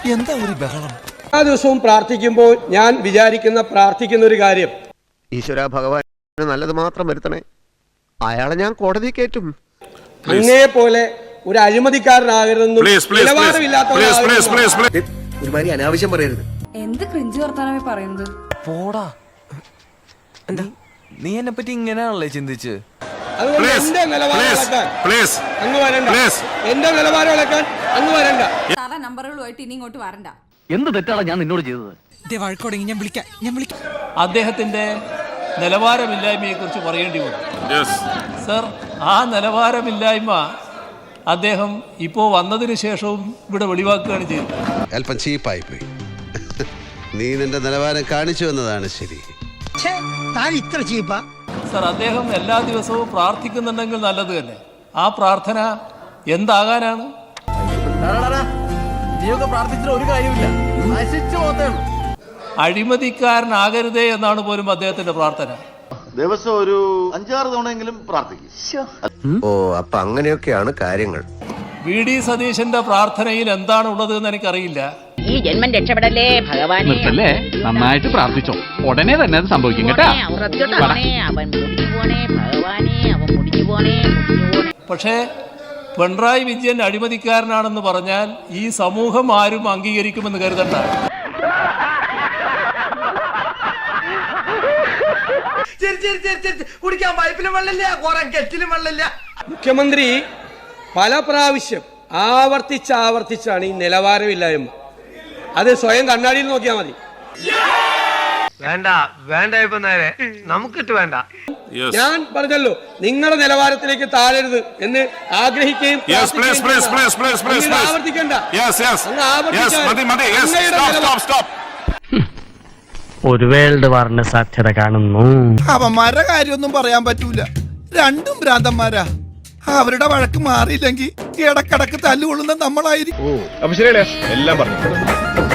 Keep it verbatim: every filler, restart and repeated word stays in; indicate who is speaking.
Speaker 1: എന്താ ഒരു ബഹളം?
Speaker 2: ആ ദിവസവും പ്രാർത്ഥിക്കുമ്പോൾ ഞാൻ വിചാരിക്കുന്ന പ്രാർത്ഥിക്കുന്ന ഒരു കാര്യം,
Speaker 3: ഈശ്വര ഭഗവാൻ നല്ലത് മാത്രം വരുത്തണേ, അയാളെ ഞാൻ കോടതി കയറ്റും.
Speaker 2: അങ്ങേ പോലെ ഒരു അഴിമതിക്കാരനാകരുതെന്നും
Speaker 3: ഒരുമാതിരി അനാവശ്യം പറയരുത്.
Speaker 4: എന്ത് ക്രിഞ്ച് വർത്താനമേ പറയുന്നത്?
Speaker 1: പോടാ, എന്താ നീ എന്നെ പറ്റി ഇങ്ങനെയാണല്ലേ ചിന്തിച്ച്?
Speaker 2: അതുകൊണ്ട് എന്റെ നിലവാരം ഇളക്കാൻ അങ്ങ് വരണ്ട, എന്റെ നിലവാരം ഇളക്കാൻ അങ്ങ് വരണ്ട.
Speaker 4: സാധാ നമ്പറുകളുമായിട്ട് ഇനി ഇങ്ങോട്ട് വരണ്ട.
Speaker 5: എന്ത് തെറ്റാണ് ഞാൻ നിന്നോട് ചെയ്തത്?
Speaker 1: ഞാൻ വിളിക്കാം ഞാൻ വിളിക്കാം
Speaker 6: അദ്ദേഹത്തിന്റെ നിലവാരമില്ലായ്മയെ കുറിച്ച് പറയേണ്ടി വന്നു. സർ, ആ നിലവാരമില്ലായ്മ അദ്ദേഹം ഇപ്പോൾ വന്നതിന് ശേഷവും ഇവിടെ വെളിവാക്കുകയാണ് ചെയ്തത്.
Speaker 3: അല്പം ചീപ്പായി പോയി. നീ നിന്റെ നിലവാരം കാണിച്ചു എന്നതാണ് ശരി.
Speaker 6: സർ, അദ്ദേഹം എല്ലാ ദിവസവും പ്രാർത്ഥിക്കുന്നുണ്ടെങ്കിൽ നല്ലത് തന്നെ. ആ പ്രാർത്ഥന എന്താകാനാണ്? അഴിമതിക്കാരനാകരുതേ എന്നാണ് പോലും അദ്ദേഹത്തിന്റെ പ്രാർത്ഥന.
Speaker 7: ദിവസം ഒരു അഞ്ചാറ് തവണയെങ്കിലും പ്രാർത്ഥിക്കും.
Speaker 3: ഓ, അപ്പൊ അങ്ങനെയൊക്കെയാണ് കാര്യങ്ങൾ.
Speaker 6: വി ഡി സതീശന്റെ പ്രാർത്ഥനയിൽ എന്താണ് ഉള്ളത് എന്ന് എനിക്കറിയില്ല.
Speaker 8: ഈ ജന്മം രക്ഷപ്പെടല്ലേ ഭഗവാനെ.
Speaker 5: നന്നായിട്ട് പ്രാർത്ഥിച്ചോ, ഉടനെ തന്നെ അത് സംഭവിക്കും കേട്ടാ.
Speaker 8: അവൻ മുടിഞ്ഞു പോണേ ഭഗവാനെ, അവൻ മുടിഞ്ഞു പോണേ മുടിഞ്ഞു പോണേ.
Speaker 6: പക്ഷേ പിണറായി വിജയൻ അഴിമതിക്കാരനാണെന്ന് പറഞ്ഞാൽ ഈ സമൂഹം ആരും അംഗീകരിക്കുമെന്ന് കരുതണ്ട.
Speaker 9: കുടിക്കാൻ പൈപ്പിലും വെള്ളമില്ല, കുറെ കെറ്റിലും വെള്ളമില്ല.
Speaker 2: മുഖ്യമന്ത്രി പല പ്രാവശ്യം ആവർത്തിച്ച് ആവർത്തിച്ചാണ് ഈ നിലവാരമില്ലായ്മ. അത് സ്വയം കണ്ണാടിയിൽ നോക്കിയാൽ മതി.
Speaker 9: വേണ്ട വേണ്ട, ഇപ്പൊ നേരെ നമുക്കിട്ട് വേണ്ട.
Speaker 2: ഞാൻ പറഞ്ഞല്ലോ, നിങ്ങളുടെ നിലവാരത്തിലേക്ക് താഴരുത് എന്ന് ആഗ്രഹിക്കുകയും ആവർത്തിക്കണ്ട.
Speaker 5: ഒരു വേൾഡ് വാറിന് സാധ്യത കാണുന്നു.
Speaker 1: അവന്മാരുടെ കാര്യമൊന്നും പറയാൻ പറ്റൂല, രണ്ടും ഭ്രാന്തന്മാരാ. അവരുടെ വഴക്ക് മാറിയില്ലെങ്കിൽ ഇടക്കിടക്ക് തല്ലുകൊള്ളുന്ന നമ്മളായിരിക്കും.
Speaker 7: അപ്പൊ ശരിയല്ലേ, എല്ലാം പറഞ്ഞു.